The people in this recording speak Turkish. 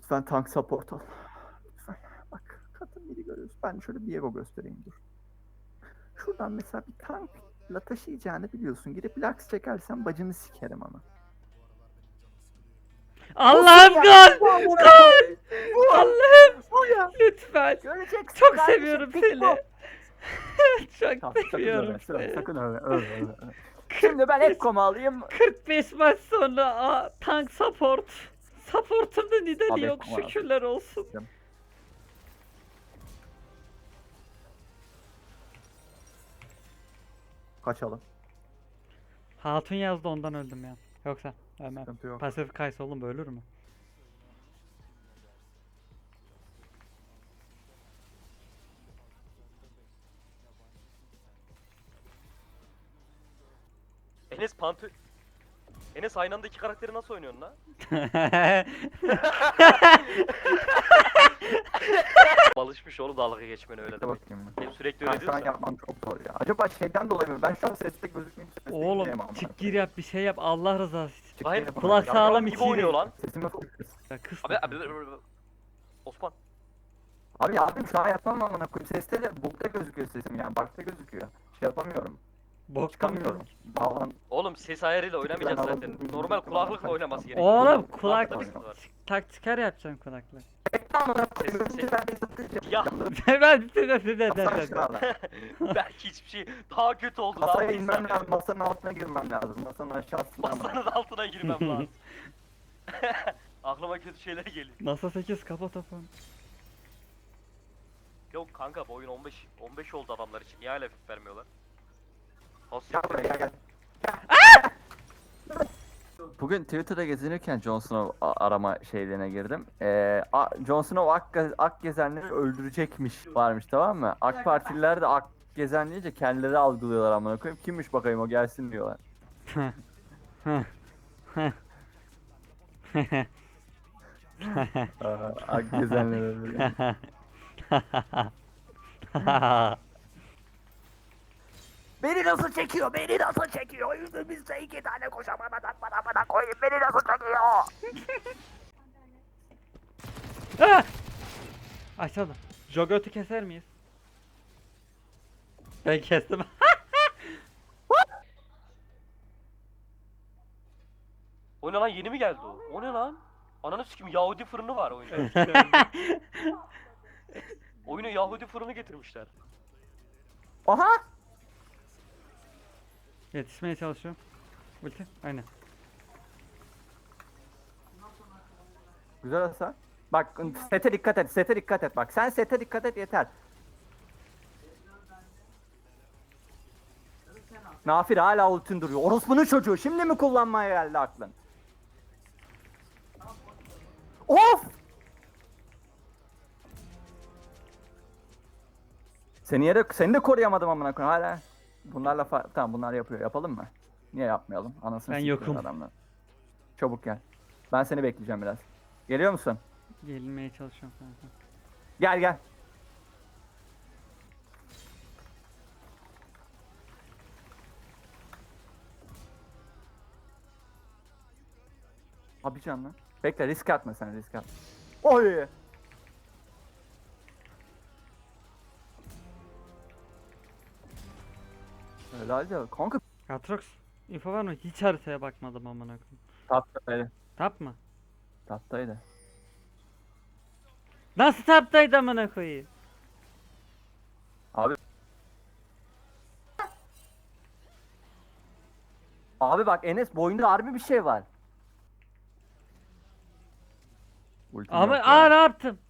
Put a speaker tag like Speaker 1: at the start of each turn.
Speaker 1: Lütfen tank support al. Lütfen. Bak kadın biri görüyoruz. Ben şöyle Viego göstereyim dur. Şuradan mesela bir tankla taşıyacağını biliyorsun. Girip Lux çekersen bacını sikerim ama.
Speaker 2: Allah'ım
Speaker 1: ya?
Speaker 2: gol!
Speaker 1: Bu amına
Speaker 2: Gol!
Speaker 1: koyayım.
Speaker 2: Allah'ım
Speaker 1: Bu ya.
Speaker 2: lütfen.
Speaker 1: Göreceksin
Speaker 2: Çok
Speaker 1: kardeşim,
Speaker 2: seviyorum
Speaker 1: pik bu.
Speaker 2: seni. Çok
Speaker 1: Tamam, sakın
Speaker 2: seviyorum
Speaker 1: öyle,
Speaker 2: seni.
Speaker 1: sakın öyle. Şimdi ben Ekkom'u alayım.
Speaker 2: 45 maç sonra tank support. Supportumda neden
Speaker 1: Abi,
Speaker 2: yok
Speaker 1: Ekkom
Speaker 2: şükürler olsun.
Speaker 1: Kaçalım.
Speaker 2: Hatun yazdı ondan öldüm ya. Yoksa ölmem.
Speaker 1: Sıkıntı yok.
Speaker 2: Pasif kaysa oğlum ölür mü?
Speaker 3: Enes aynı anda iki karakteri nasıl oynuyorsun lan? Alışmış oğlum dalga geçmene öyle
Speaker 1: Dur
Speaker 3: demek.
Speaker 1: bakayım.
Speaker 3: Benim sürekli
Speaker 1: Ben
Speaker 3: öyle
Speaker 1: şu an
Speaker 3: diyorsun.
Speaker 1: yapmam çok zor ya. Acaba şeyden dolayı mı? Ben şu an sesli gözükmeyeyim. Sesli
Speaker 2: Oğlum
Speaker 1: gideyim ama.
Speaker 2: çık gir yap bir şey yap Allah rızası için.
Speaker 1: Çık
Speaker 3: Hayır,
Speaker 1: geri
Speaker 2: kulak
Speaker 1: bana.
Speaker 2: sağlam
Speaker 3: gibi
Speaker 2: içiyle.
Speaker 3: oynuyor lan.
Speaker 1: Sesimi full kız.
Speaker 2: Ya kız.
Speaker 3: Abi Osman.
Speaker 1: Abi abim şu an yapmam amına koyayım. Seste de bokta gözüküyor sesim yani. Bakta gözüküyor. Şey yapamıyorum.
Speaker 2: Bok
Speaker 1: Çıkamıyorum. Bağlan.
Speaker 3: Oğlum ses ayarıyla oynamayacağız
Speaker 1: Ben
Speaker 3: zaten.
Speaker 1: alalım.
Speaker 3: Normal kulaklıkla oynaması gerekiyor.
Speaker 2: Oğlum
Speaker 3: Kulaklıkta
Speaker 2: kulak
Speaker 3: bir sıkıntı var.
Speaker 2: tak çıkar yapacaksın kulaklık.
Speaker 1: Amına koyayım.
Speaker 3: Ses-
Speaker 1: Önce ben de satacağım.
Speaker 3: Ya. Belki hiçbir şey daha kötü oldu. Ne
Speaker 1: Masaya
Speaker 3: yapayım sen?
Speaker 1: inmem lazım. Masanın altına girmem lazım. Masanın aşağısına.
Speaker 3: Masanın altına girmem lazım. Aklıma kötü şeyler geliyor.
Speaker 2: Masa 8 kapa topu.
Speaker 3: Yok kanka bu oyun 15 oldu adamlar için. Niye hala FIF vermiyorlar?
Speaker 1: Gel buraya gel. Bugün Twitter'da gezinirken Jon Snow arama şeylerine girdim. Jon Snow ak gezenleri öldürecekmiş varmış, tamam mı? AK Partililer de ak gezen deyince kendileri algılıyorlar amına koyayım. Kimmiş bakayım o gelsin diyorlar. Ak gezenler öldürüyor. Beni nasıl çekiyor? Beni nasıl çekiyor? Yüzümüzde 2 tane kocaman adam bana koyun. Beni nasıl çekiyor?
Speaker 2: Aşağıda. Jogot'u keser miyiz? Ben kestim.
Speaker 3: O ne lan yeni mi geldi o? O ne lan? Ananı sikim Yahudi fırını var oyunda. Oyuna Yahudi fırını getirmişler.
Speaker 1: Aha!
Speaker 2: Yetişmeye çalışıyorum. Ulti. Aynen.
Speaker 1: Güzel hasar. Bak sete dikkat et, sete dikkat et bak. Sen sete dikkat et yeter. Nafir hala ultin duruyor. Orospunun çocuğu şimdi mi kullanmaya geldi aklın? Of! Seni de koruyamadım amına koyayım hala. Bunlarla tamam bunlar yapıyor. Yapalım mı? Niye yapmayalım? Anasını
Speaker 2: Ben
Speaker 1: sikeyim
Speaker 2: yokum.
Speaker 1: adamlar. Çabuk gel. Ben seni bekleyeceğim biraz. Geliyor musun?
Speaker 2: Gelinmeye çalışıyorum kanka.
Speaker 1: Gel gel. Abi canım lan. Bekle risk atma sen risk atma. Oy! Helal de kanka
Speaker 2: Atrox. İnfo var mı? Hiç haritaya bakmadım amına koyayım.
Speaker 1: taptaydı.
Speaker 2: Tap mı?
Speaker 1: Taptaydı.
Speaker 2: Nasıl taptaydı amına koyayım?
Speaker 1: Abi. Abi bak Enes boyunda harbi bir şey var. Ultim
Speaker 2: Ama
Speaker 1: yok ya.
Speaker 2: ne yaptım?